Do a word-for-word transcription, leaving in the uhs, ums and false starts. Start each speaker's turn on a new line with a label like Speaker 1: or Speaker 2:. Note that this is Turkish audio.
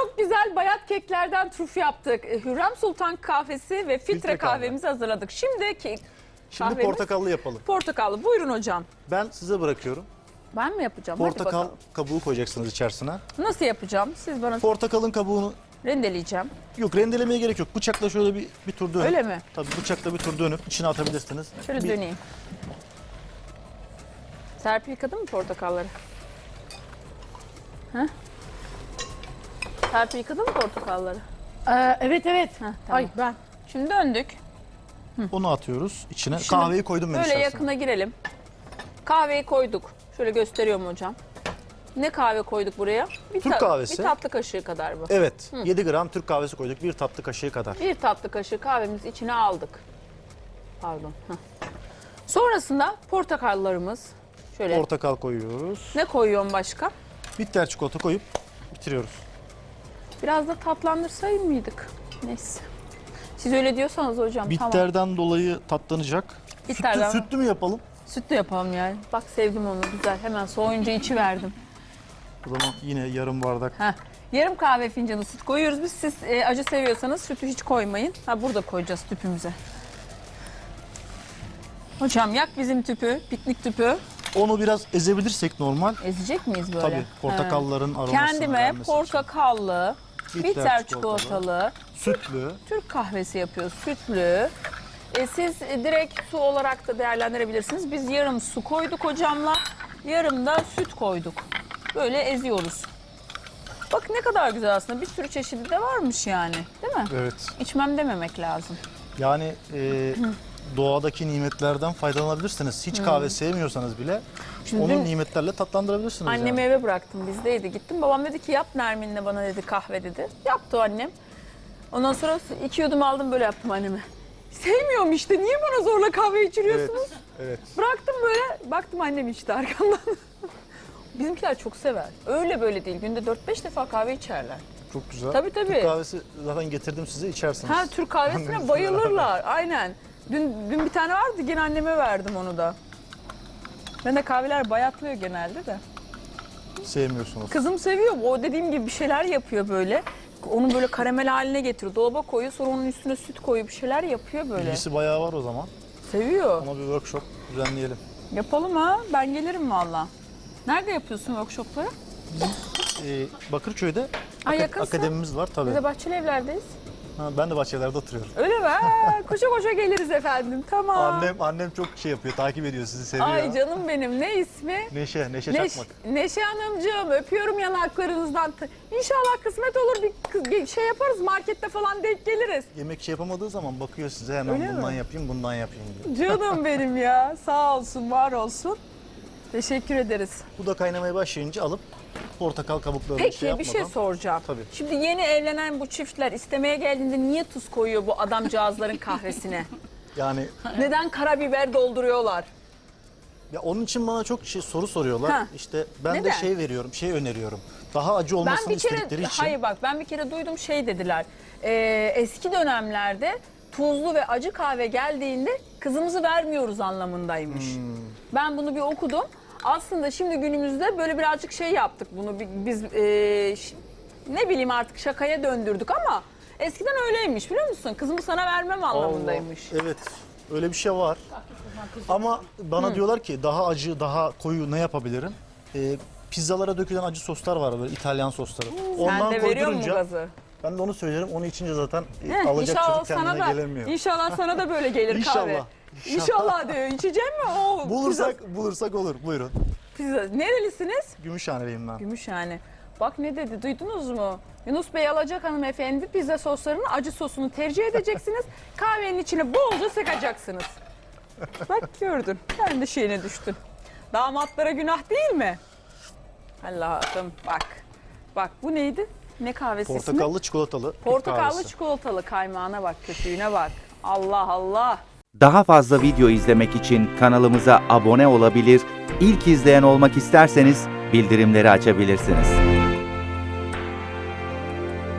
Speaker 1: Çok güzel bayat keklerden trüf yaptık. Hürrem Sultan kahvesi ve filtre,
Speaker 2: Filtre kahve.
Speaker 1: kahvemizi hazırladık. Şimdi kek
Speaker 2: Şimdi
Speaker 1: kahvemiz
Speaker 2: portakallı yapalım.
Speaker 1: portakallı. Buyurun hocam.
Speaker 2: Ben size bırakıyorum.
Speaker 1: Ben mi yapacağım? Hadi
Speaker 2: Portakal
Speaker 1: bakalım.
Speaker 2: kabuğu koyacaksınız içerisine.
Speaker 1: Nasıl yapacağım? Siz bana
Speaker 2: Portakalın kabuğunu
Speaker 1: rendeleyeceğim.
Speaker 2: yok rendelemeye gerek yok. Bıçakla şöyle bir bir tur dönüp.
Speaker 1: Öyle mi?
Speaker 2: Tabii bıçakla bir tur dönüp içine atabilirsiniz.
Speaker 1: Şöyle
Speaker 2: bir,
Speaker 1: döneyim. Serpil yıkadın mı portakalları? Heh. Serpil yıkadın mı portakalları?
Speaker 3: Ee, evet evet.
Speaker 1: Heh, tamam.
Speaker 3: Ay ben.
Speaker 1: Şimdi döndük.
Speaker 2: Onu atıyoruz içine.
Speaker 1: Şimdi
Speaker 2: Kahveyi koydum ben
Speaker 1: Böyle
Speaker 2: içerisine.
Speaker 1: yakına girelim. Kahveyi koyduk. Şöyle gösteriyorum hocam. Ne kahve koyduk buraya? Bir
Speaker 2: Türk kahvesi.
Speaker 1: Bir tatlı kaşığı kadar bu.
Speaker 2: Evet. yedi gram Türk kahvesi koyduk. Bir tatlı kaşığı kadar.
Speaker 1: Bir tatlı kaşığı kahvemizi içine aldık. Pardon. Heh. Sonrasında portakallarımız. Şöyle
Speaker 2: Portakal koyuyoruz.
Speaker 1: ne koyuyorum başka?
Speaker 2: Bitter çikolata koyup bitiriyoruz.
Speaker 1: Biraz da tatlandırsayım mıydık? Neyse. Siz öyle diyorsanız hocam tamam.
Speaker 2: Bitterden dolayı tatlanacak.
Speaker 1: Bitterden.
Speaker 2: Sütlü, sütlü mü yapalım?
Speaker 1: Sütlü yapalım yani. Bak sevdim onu güzel. Hemen soğuyunca içi verdim.
Speaker 2: O zaman yine yarım bardak.
Speaker 1: Heh. Yarım kahve fincanı süt koyuyoruz biz. Siz e, acı seviyorsanız sütü hiç koymayın. Ha burada koyacağız tüpümüze. Hocam yak bizim tüpü, piknik tüpü.
Speaker 2: Onu biraz ezebilirsek normal.
Speaker 1: Ezecek miyiz böyle?
Speaker 2: Tabii portakalların aromasını
Speaker 1: Kendime
Speaker 2: vermesi için.
Speaker 1: portakallı,
Speaker 2: Bitter
Speaker 1: bitter
Speaker 2: çikolatalı.
Speaker 1: çikolatalı,
Speaker 2: Sütlü.
Speaker 1: Türk kahvesi yapıyoruz, sütlü. E, siz e, direkt su olarak da değerlendirebilirsiniz. Biz yarım su koyduk hocamla, yarım da süt koyduk. Böyle eziyoruz. Bak ne kadar güzel aslında. Bir sürü çeşidi de varmış yani. Değil mi?
Speaker 2: Evet.
Speaker 1: İçmem dememek lazım.
Speaker 2: Yani e, doğadaki nimetlerden faydalanabilirsiniz. Hiç kahve sevmiyorsanız bile
Speaker 1: Şimdi
Speaker 2: onu
Speaker 1: dün
Speaker 2: nimetlerle tatlandırabilirsiniz.
Speaker 1: annemi
Speaker 2: yani.
Speaker 1: eve bıraktım. Bizdeydi. Gittim. Babam dedi ki yap Nermin'le bana dedi kahve dedi. Yaptı o annem. Ondan sonra iki yudum aldım böyle yaptım anneme. Sevmiyorum işte. Niye bana zorla kahve
Speaker 2: Evet,
Speaker 1: içiriyorsunuz?
Speaker 2: evet.
Speaker 1: Bıraktım böyle. Baktım annem içti arkamdan. Bizimkiler çok sever. Öyle böyle değil. Günde dört beş defa kahve içerler.
Speaker 2: Çok güzel.
Speaker 1: Tabii, tabii.
Speaker 2: Türk kahvesi zaten getirdim size içersiniz.
Speaker 1: Ha Türk kahvesine
Speaker 2: Annenizle
Speaker 1: bayılırlar. Aynen. Dün, dün bir tane vardı. Yine anneme verdim onu da. Ben de kahveler bayatlıyor genelde de.
Speaker 2: Sevmiyorsunuz.
Speaker 1: Kızım seviyor. O dediğim gibi bir şeyler yapıyor böyle. Onu böyle karamel haline getiriyor. Dolaba koyuyor. Sonra onun üstüne süt koyuyor. Bir şeyler yapıyor böyle.
Speaker 2: İlgisi bayağı var o zaman.
Speaker 1: Seviyor.
Speaker 2: Ama bir workshop düzenleyelim.
Speaker 1: Yapalım ha. Ben gelirim valla. Nerede yapıyorsun workshopları?
Speaker 2: Ee, Bakırköy'de
Speaker 1: Ha,
Speaker 2: aka-
Speaker 1: yakınsın.
Speaker 2: akademimiz var tabii.
Speaker 1: Biz de Bahçeli Evler'deyiz.
Speaker 2: Ha, ben de bahçelerde oturuyorum.
Speaker 1: Öyle mi? Ha, koşa koşa geliriz efendim. Tamam.
Speaker 2: Annem annem çok şey yapıyor, takip ediyor, sizi seviyor.
Speaker 1: Ay canım benim. Ne ismi?
Speaker 2: Neşe, Neşe
Speaker 1: Neş-
Speaker 2: Çakmak.
Speaker 1: Neşe Hanımcığım öpüyorum yanaklarınızdan. İnşallah kısmet olur bir kız- bir şey yaparız markette falan denk geliriz.
Speaker 2: Yemek şey yapamadığı zaman bakıyor size hemen
Speaker 1: Öyle
Speaker 2: bundan
Speaker 1: mi?
Speaker 2: yapayım, bundan yapayım diyor.
Speaker 1: Canım benim ya. Sağ olsun, var olsun. Teşekkür ederiz.
Speaker 2: Bu da kaynamaya başlayınca alıp portakal kabuklarını
Speaker 1: Peki
Speaker 2: şey
Speaker 1: bir
Speaker 2: yapmadan.
Speaker 1: şey soracağım.
Speaker 2: Tabii.
Speaker 1: Şimdi yeni evlenen bu çiftler istemeye geldiğinde niye tuz koyuyor bu adamcağızların kahvesine?
Speaker 2: Yani
Speaker 1: Neden karabiber dolduruyorlar?
Speaker 2: ya onun için bana çok şey soru soruyorlar.
Speaker 1: Ha.
Speaker 2: İşte ben
Speaker 1: Neden?
Speaker 2: de şey veriyorum, şey öneriyorum. Daha acı
Speaker 1: Ben
Speaker 2: olmasını
Speaker 1: bir kere,
Speaker 2: istedikleri için.
Speaker 1: hayır bak ben bir kere duydum şey dediler. Ee, eski dönemlerde tuzlu ve acı kahve geldiğinde kızımızı vermiyoruz anlamındaymış.
Speaker 2: Hmm.
Speaker 1: Ben bunu bir okudum. Aslında şimdi günümüzde böyle birazcık şey yaptık bunu bi- biz e, ş- ne bileyim artık şakaya döndürdük ama eskiden öyleymiş biliyor musun? Kızımı sana vermem anlamındaymış.
Speaker 2: Allah, evet, öyle bir şey var. Ama bana diyorlar ki daha acı, daha koyu ne yapabilirim? Ee, pizzalara dökülen acı soslar var böyle İtalyan sosları.
Speaker 1: Sen de veriyor mu
Speaker 2: koydurunca
Speaker 1: gazı?
Speaker 2: ben de onu söylerim. Onu içince zaten e,
Speaker 1: Heh,
Speaker 2: alacak
Speaker 1: inşallah
Speaker 2: çocuk kendine
Speaker 1: sana da,
Speaker 2: gelemiyor.
Speaker 1: İnşallah sana da böyle gelir
Speaker 2: İnşallah,
Speaker 1: kahve.
Speaker 2: inşallah.
Speaker 1: İnşallah diyor. İçecek mi? O
Speaker 2: Bulursak bulursak olur. Buyurun.
Speaker 1: Pizza, pizza. Nerelisiniz?
Speaker 2: Gümüşhaneliyim ben.
Speaker 1: Gümüşhane. Bak ne dedi duydunuz mu? Yunus Bey alacak hanımefendi pizza soslarının acı sosunu tercih edeceksiniz. Kahvenin içine bolca sıkacaksınız. Bak gördün. Sen de şeyine düştün. Damatlara günah değil mi? Allah'ım bak. Bak bu neydi? Ne kahvesi ismi?
Speaker 2: Portakallı çikolatalı. Türk
Speaker 1: Portakallı
Speaker 2: kahvesi.
Speaker 1: çikolatalı kaymağına bak, köpüğüne bak. Allah Allah.
Speaker 4: Daha fazla video izlemek için kanalımıza abone olabilir, ilk izleyen olmak isterseniz bildirimleri açabilirsiniz.